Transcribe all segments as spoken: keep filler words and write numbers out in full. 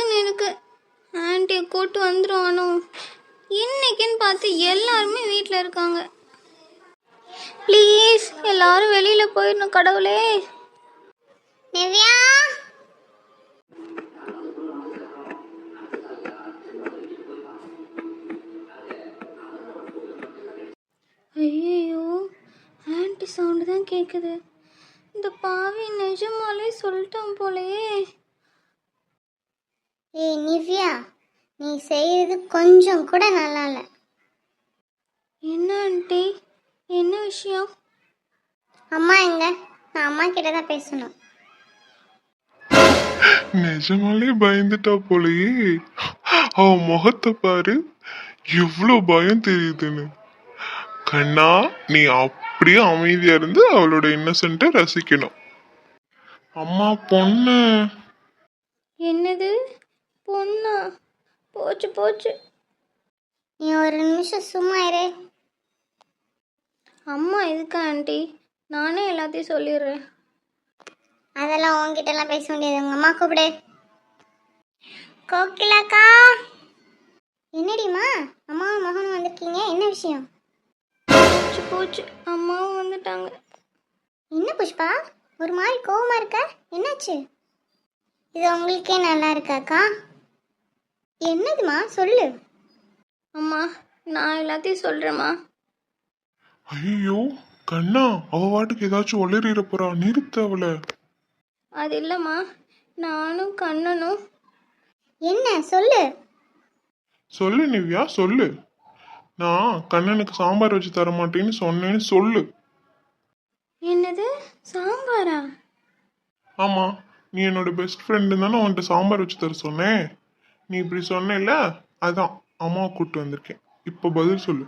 பக்குன்னு இருக்கு. ஆன்ட்டியை கூட்டு வந்துடுவானோ? இன்னைக்குன்னு பார்த்து எல்லாருமே வீட்டில் இருக்காங்க. ப்ளீஸ் எல்லாரும் வெளியில் போயிடணும் கடவுளே. நிவ்யா, ஐயோ, ஆன்ட்டி சவுண்டு தான் கேட்குது. இந்த பாவி நிஜமாலே சொல்லிட்டான் போலையே. ஏய் நிவ்யா, நீ செய்யறது கொஞ்சம் கூட நல்லா இல்லை. என்ன ஆன்ட்டி, என்ன விஷயம்? அம்மா எங்க? நான் அம்மா கிட்ட தான் பேசணும். நிஜமாலே பயந்துட்டா போலயே. அவ முகத்தை பாரு, எவ்வளவு பயம் தெரியுதுன்னு. கண்ணா, நீ அப்படியே அமைதியா இருந்து அவளோட இன்னசென்ட்டை ரசிக்கணும். அம்மா பொண்ணு. என்னது பொண்ணா? போச்சு போச்சு. நீ ஒரு நிமிஷம் சும்மா இரு. அம்மா எதுக்கு ஆன்ட்டி? நானே எல்லாத்தையும் சொல்லிடுறேன். அதெல்லாம் உன்கிட்ட எல்லாம் பேச முடியாது. உங்க அம்மா கூப்பிடு. கோகிலாக்கா. என்னடிமா அம்மாவும் மகனும் வந்திருக்கீங்க, என்ன விஷயம்? போச்சு போச்சு, அம்மாவும் வந்துட்டாங்க. என்ன புஷ்பா, ஒரு மாதிரி கோவமா இருக்க, என்னாச்சு? இது உங்களுக்கே நல்லா இருக்காக்கா? என்னதுமா சொல்லு. அம்மா நான் எல்லாத்தையும் சொல்கிறேம்மா. ஐயோ கண்ணா, அவ வாட்டுக்கு ஏதாச்சும் ஒளிரிட போறா, நிறுத்த அவளை. அது இல்லைம்மா, நானும் கண்ணனும். என்ன சொல்லு. சொல்லு நிவ்யா, சொல்லு. நான் கண்ணனுக்கு சாம்பார் வச்சு தர மாட்டேன்னு சொன்னேன்னு சொல்லு. என்னது சாம்பாரா? ஆமா, நீ என்னோட பெஸ்ட் ஃப்ரெண்டு தானே, உன்கிட்ட சாம்பார் வச்சு தர சொன்னேன். நீ இப்படி சொன்னேல்ல, அதான் அம்மாவை கூப்பிட்டு வந்திருக்கேன். இப்போ பதில் சொல்லு.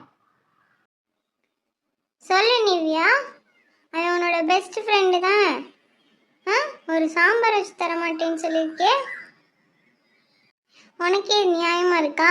சொல்லு நிவ்யா, அது உன்னோட பெஸ்ட் ஃப்ரெண்டு தான். ஆ, ஒரு சாம்பார் வச்சு தர மாட்டேன்னு சொல்லியிருக்கே, உனக்கே நியாயமா இருக்கா?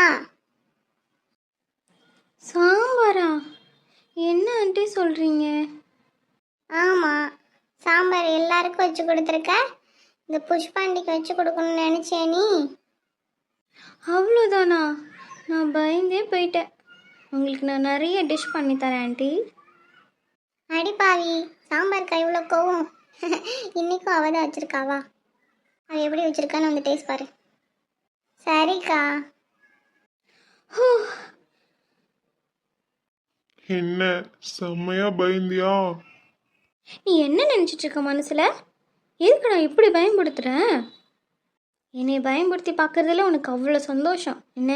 சாம்பாரா? என்ன ஆண்டி சொல்கிறீங்க? ஆமாம், சாம்பார் எல்லாருக்கும் வச்சு கொடுத்துருக்க, இந்த புஷ்பாண்டிக்கு வச்சு கொடுக்கணும்னு நினச்சே நீ? அவ்வளோதானா? நான் பயந்தே போயிட்டேன். உங்களுக்கு நான் நிறைய டிஷ் பண்ணி தரேன் ஆண்டி. அடிப்பாவி, சாம்பாருக்கு இவ்வளோ கோவம். இன்னைக்கும் அவ தான் வச்சிருக்காவா? அவ எப்படி வச்சிருக்கான்னு வந்து டேஸ்ட் பாரு. சரிக்கா. ஹூ, என்ன செம்மையா பயந்தியா? நீ என்ன நினச்சிட்டு இருக்க மனசில்? எதுக்கு நான் இப்படி பயன்படுத்துகிறேன்? என்னை பயன்படுத்தி பார்க்கறதுல உனக்கு அவ்வளோ சந்தோஷம் என்ன?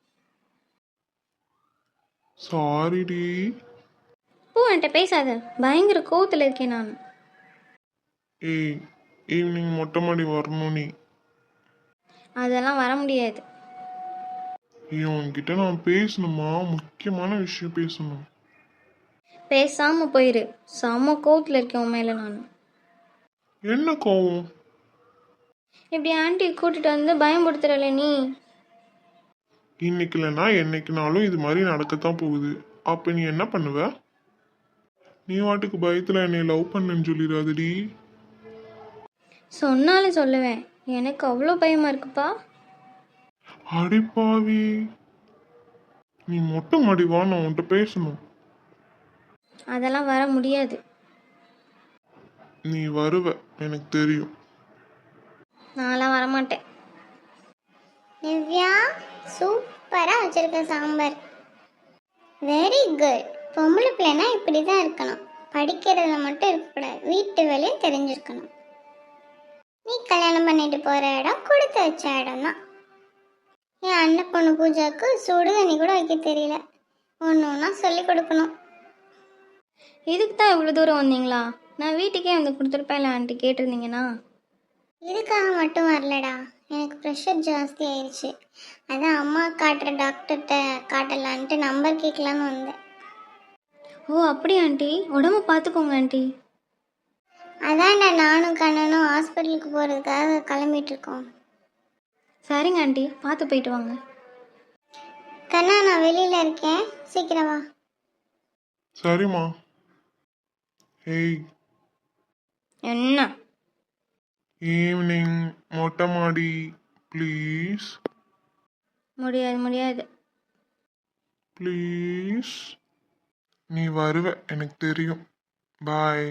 சாரிடி. போ, என்கிட்ட பேசாத. பயங்கர கோவத்தில் இருக்கேன் நான். ஏய், ஈவினிங் மொட்டை மாடி வரணும் நீ. அதெல்லாம் வர முடியாது. ஏய், உன்கிட்ட நான் பேசணுமா, முக்கியமான விஷயம் பேசணும். பேசாமல் போயிரு. செம்ம கோவத்தில் இருக்கேன் உன் மேலே நான். என்ன கோவம்? இப்படி ஆண்டியை கூட்டிட்டு வந்து பயன்படுத்துறல நீ. இன்னைக்கு இல்லைன்னா என்னைக்குனாலும் இது மாதிரி நடக்கத்தான் போகுது. அப்ப நீ என்ன பண்ணுவ? நீ வாட்டுக்கு பயத்துல என்னை லவ் பண்ணுன்னு சொல்லிடாதடி. சொன்னாலும் சொல்லுவேன். எனக்கு அவ்வளோ பயமா இருக்குப்பா. அடிப்பாவி, நீ மொட்டை மாடி வா, நான் உன்கிட்ட பேசணும். அதெல்லாம் வர முடியாது. நீ வருவ, எனக்கு தெரியும். நான்லாம் வரமாட்டேன். நிவ்யா, சூப்பரா வச்சிருக்க சாம்பார். Very good. பொம்பளை பிள்ளைனா இப்படி தான் இருக்கணும். படிக்கிறதுல மட்டும் இருக்கக்கூடாது, வீட்டு வேலையும் தெரிஞ்சிருக்கணும். நீ கல்யாணம் பண்ணிட்டு போற இடம் கொடுத்து வச்ச இடம் தான். என் அண்ணன் பொண்ணு பூஜாவுக்கு சுடு தண்ணி கூட வைக்க தெரியல. ஒன்று ஒன்றா சொல்லி கொடுக்கணும். இதுக்கு தான் இவ்வளோ தூரம் வந்தீங்களா? நான் வீட்டுக்கே வந்து கொடுத்துருப்பேன்ல ஆண்டி, கேட்டிருந்தீங்கன்னா. இதுக்காக மட்டும் வரலடா, எனக்கு ப்ரெஷர் ஜாஸ்தி ஆயிடுச்சு. அதான் அம்மா காட்டுற டாக்டர்கிட்ட காட்டலான்ட்டு நம்பர் கேட்கலான்னு வந்தேன். ஓ அப்படி ஆண்டி, உடம்பு பார்த்துக்கோங்க ஆண்டி. அதான்டா நானும் கண்ணனும் ஹாஸ்பிட்டலுக்கு போகிறதுக்காக கிளம்பிட்டு இருக்கோம். சரிங்க ஆண்டி, பார்த்து போயிட்டு வாங்க. கண்ணா, நான் வெளியில் இருக்கேன், சீக்கிரம் வா. சரிம்மா. ஏய், என்ன? ஈவினிங் மொட்டை மாடி ப்ளீஸ் முடியாது முடியாது. ப்ளீஸ். நீ வருவ எனக்கு தெரியும். பாய்.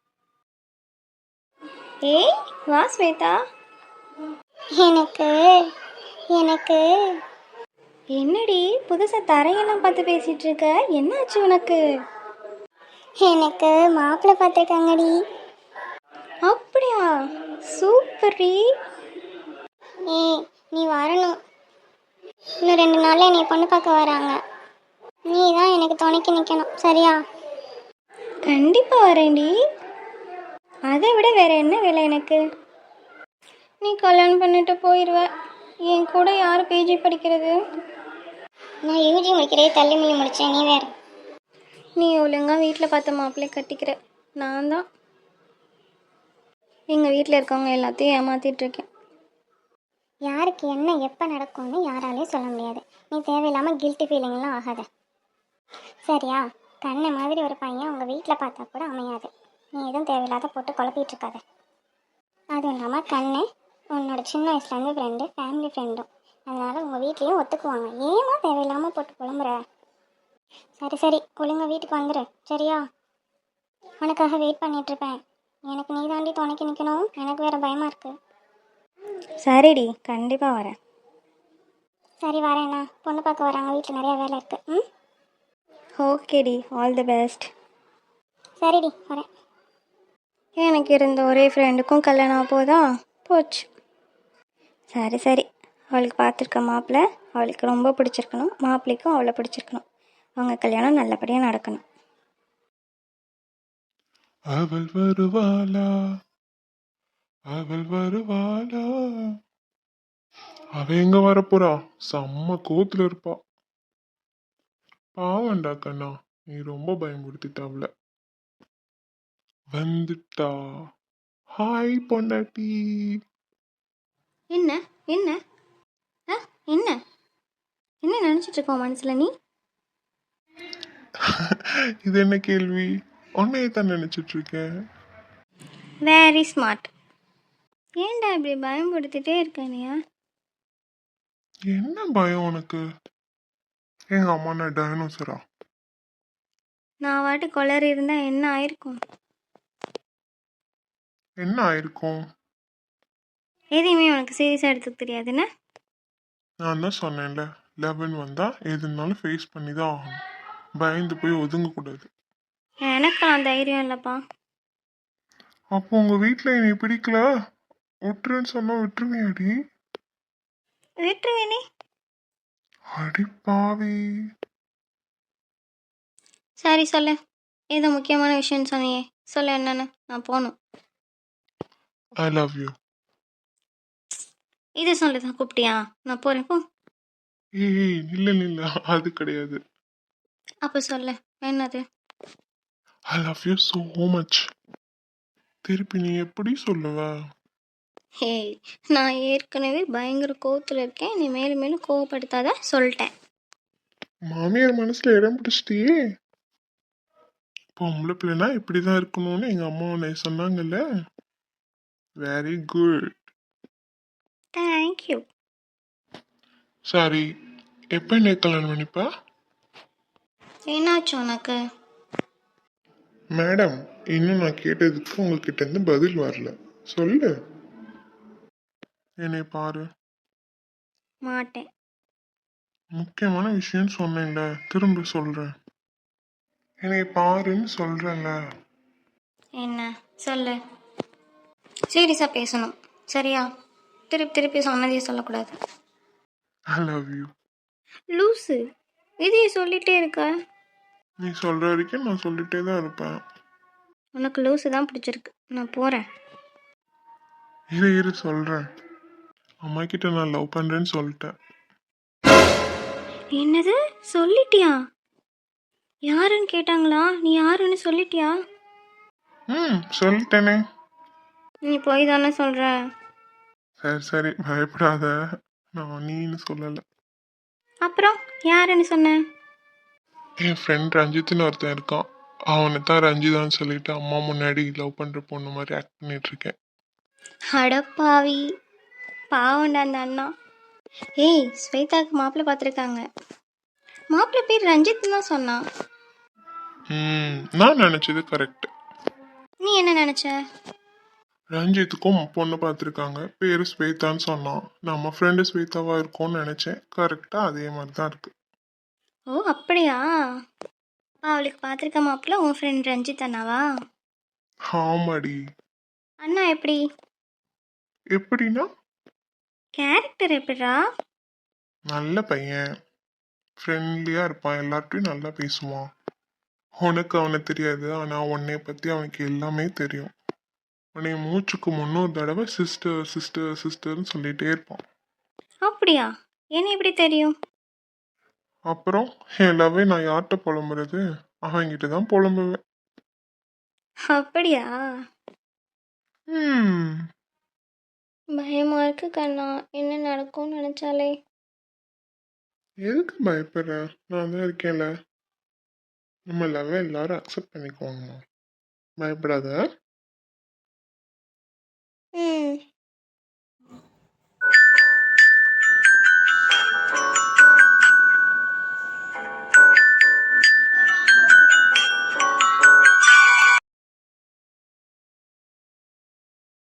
ஏய் வா ஸ்வேதா. எனக்கு எனக்கு என்னடி புதுசாக தரையெல்லாம் பார்த்து பேசிகிட்டு இருக்க, என்னாச்சு உனக்கு? எனக்கு மாப்பிள்ளை பார்த்துருக்காங்கடி. அப்படியா? சூப்பர்டி. ஏய் நீ வரணும். இன்னும் ரெண்டு நாளில் என்னை பொண்ணு பார்க்க வராங்க. நீ தான் எனக்கு துணைக்கு நிற்கணும், சரியா? கண்டிப்பாக வரேன்டி. அதை விட வேற என்ன வேலை எனக்கு? நீ கல்யாணம் பண்ணிட்டு போயிடுவ, என் கூட யார் பிஜி படிக்கிறது? நான் யூஜி முடிக்கிறே தள்ளி மொழி முடித்தேன், நீ வேறு. நீ ஒழுங்காக வீட்டில் பார்த்த மாப்பிள்ளை கட்டிக்கிற. நான் தான் எங்கள் வீட்டில் இருக்கவங்க எல்லாத்தையும் ஏமாத்திட்டு இருக்கேன். யாருக்கு என்ன எப்போ நடக்கும்னு யாராலையும் சொல்ல முடியாது. நீ தேவையில்லாமல் கில்ட்டி ஃபீலிங்லாம் ஆகாத, சரியா? கண்ணை மாதிரி ஒரு பையன் உங்கள் வீட்டில் பார்த்தா கூட அமையாது. நீ எதுவும் தேவையில்லாத போட்டு குழப்பிட்டு இருக்காத. அதுவும் இல்லாமல் கண்ணு உன்னோட சின்ன வயசுலேருந்து ஃப்ரெண்டு, ஃபேமிலி ஃப்ரெண்டும். அதனால் உங்கள் வீட்லேயும் ஒத்துக்குவாங்க. ஏமா தேவையில்லாமல் போட்டு புலம்புற? சரி சரி ஒழுங்கா வீட்டுக்கு வந்துடு, சரியா? உனக்காக வெயிட் பண்ணிகிட்ருப்பேன். எனக்கு நீ தாண்டி துணைக்கு நிற்கணும். எனக்கு வேறு பயமாக இருக்குது. சரிடி, கண்டிப்பாக வரேன். சரி வரேண்ணா, பொண்ணு பார்க்க வராங்க, வீட்டில் நிறையா வேலை இருக்குது. ம் ஓகேடி, ஆல் தி பெஸ்ட். சரிடி வரேன். எனக்கு இருந்த ஒரே ஃப்ரெண்டுக்கும் கல்யாணம் ஆக போதா போச்சு. சரி சரி, அவளுக்கு பார்த்துருக்க மாப்பிள்ளை அவளுக்கு ரொம்ப பிடிச்சிருக்கணும், மாப்பிள்ளைக்கும் அவளை பிடிச்சிருக்கணும். அவங்க கல்யாணம் நல்லபடியாக நடக்கணும். அவள் வருவாளா, அவள் வருவாளா. அவ எங்க வரப்போறா? செம்ம கோத்துல இருப்பா. பாவண்டா கண்ணா, நீ ரொம்ப பயமுறுத்திட்ட அவள. வந்துட்டா. ஹாய் பொண்டாட்டி. என்ன என்ன ஆ என்ன என்ன நினச்சிட்டு இருக்கோம் மனசில் நீ? இது என்ன கேள்வி? உன்னையே தான் நினைச்சிட்டு இருக்கேன். Very smart. ஏன்டா இப்படி பயன்படுத்திட்டே இருக்கானியா? என்ன பயம் உனக்கு? எங்க அம்மா நான் டைனோசரா? நான் வாட்டு கொளறி இருந்தால் என்ன ஆயிருக்கும்? என்ன ஆயிருக்கும்? எதையுமே உனக்கு சீரியஸாக எடுத்துக்க தெரியாதுன்னு நான் தான் சொன்னேன்ல, லெவன் வந்தா எதுனாலும் ஃபேஸ் பண்ணி தான் ஆகணும். பயந்து போய் ஒதுங்க கூடாது. எனக்கெல்லாம் தைரியம் இல்லைப்பா. அப்போ உங்க வீட்டுல என்னை பிடிக்கல விட்டுருன்னு சொன்னா விட்டுருவியாடி? விட்டுருவேனே. அடி பாவி. சரி சொல்லு, ஏதோ முக்கியமான விஷயம்னு சொன்னியே, சொல்லு என்னன்னு, நான் போகணும். I love you. இது சொல்லு தான் கூப்பிட்டியா? நான் போகிறேன் போ. ஏய் இல்ல இல்ல, அது கிடையாது. அப்போ சொல்லு என்னது? I love you so much. திருப்பி நீ எப்படி சொல்லுவ? ஹேய், நான் ஏற்கனவே பயங்கர கோவத்தில் இருக்கேன், நீ மேலும் மேலும் கோவப்படுத்தாத சொல்லிட்டேன். மாமியார் மனசுல இடம் பிடிச்சிட்டியே. பொம்பளை பிள்ளைனா இப்படிதான் இருக்கணும்னு எங்க அம்மா உன்னை சொன்னாங்கல்ல. Very good. தேங்க்யூ. சரி, எப்ப என்ன கல்யாணம் பண்ணிப்பா? என்னாச்சு உனக்கு? மேடம், இன்னும் நான் கேட்டதுக்கு உங்ககிட்ட இருந்து பதில் வரல. சொல்லு. என்னை பாரு. மாட்டேன். முக்கியமான விஷயம் சொன்னேன்ல, திரும்ப சொல்றேன். என்னை பாருன்னு சொல்றேன்ல. என்ன சொல்லு? சீரியஸாக பேசணும், சரியா? திருப்பி திருப்பி சொன்னதே சொல்லக்கூடாது. ஐ லவ் யூ. லூஸு, இதையே சொல்லிட்டே இருக்க. நீ சொல்ற வரைக்கும் நான் சொல்லிட்டே தான் இருப்பேன். உனக்கு லூஸு தான் பிடிச்சிருக்கு, நான் போகிறேன். இரு இரு சொல்றேன். அம்மா கிட்ட நான் லவ் பண்றேன்னு சொல்லிட்டேன். என்னது சொல்லிட்டியா? யாருன்னு கேட்டாங்களா? நீ யாருன்னு சொல்லிட்டியா? ம் சொல்லிட்டேனே. நீ போய் தானே சொல்கிற? சரி சரி பயப்படாத, நான் நீன்னு சொல்லலை. அப்புறம் யாருன்னு சொன்ன? என் ஃப்ரெண்ட் ரஞ்சித்னு ஒருத்தன் இருக்கான். அவனை தான் ரஞ்சிதான்னு சொல்லிட்டு அம்மா முன்னாடி லவ் பண்ற பொண்ணு மாதிரி ஆக்ட் பண்ணிட்டு இருக்கேன். அடப்பாவி. பாவம்டா அந்த அண்ணா. ஏய், ஸ்வேதாவுக்கு மாப்பிள்ளை பார்த்துருக்காங்க. மாப்பிள்ளை பேர் ரஞ்சித் தான் சொன்னான். ம் நான் நினச்சது கரெக்ட். நீ என்ன நினச்ச? ரஞ்சித்துக்கும் பொண்ணு பார்த்துருக்காங்க, பேர் ஸ்வேதான்னு சொன்னான். நம்ம ஃப்ரெண்டு ஸ்வேதாவா இருக்கும்னு நினச்சேன். கரெக்டாக அதே மாதிரி தான் இருக்கு. ஓ அப்படியா? அப்பா அவளுக்கு பார்த்துருக்க மாப்பிள்ளை உன் ஃப்ரெண்ட் ரஞ்சித் அண்ணாவா? ஆமாடி. அண்ணா எப்படி? எப்படின்னா கேரக்டர் எப்படிடா? நல்ல பையன், ஃப்ரெண்ட்லியாக இருப்பான், எல்லார்ட்டையும் நல்லா பேசுவான். உனக்கு அவனை தெரியாது, ஆனால் உன்னைய பற்றி அவனுக்கு எல்லாமே தெரியும். உன்னை மூச்சுக்கு முன்னூறு தடவை சிஸ்டர் சிஸ்டர் சிஸ்டர்னு சொல்லிகிட்டே இருப்பான். அப்படியா? என்ன எப்படி தெரியும்? அப்புறம் எல்லாவே நான் யார்கிட்ட புலம்புறது? அவன்கிட்ட தான் புலம்புவேன். அப்படியா? ம் பயமா இருக்கு கண்ணா, என்ன நடக்கும்னு நினைச்சாலே. எதுக்கு பயப்படுற? நான் தான் இருக்கேன்ல. நம்ம லவ் எல்லாரும் அக்செப்ட் பண்ணிக்குவாங்க. பயப்படாத. ம்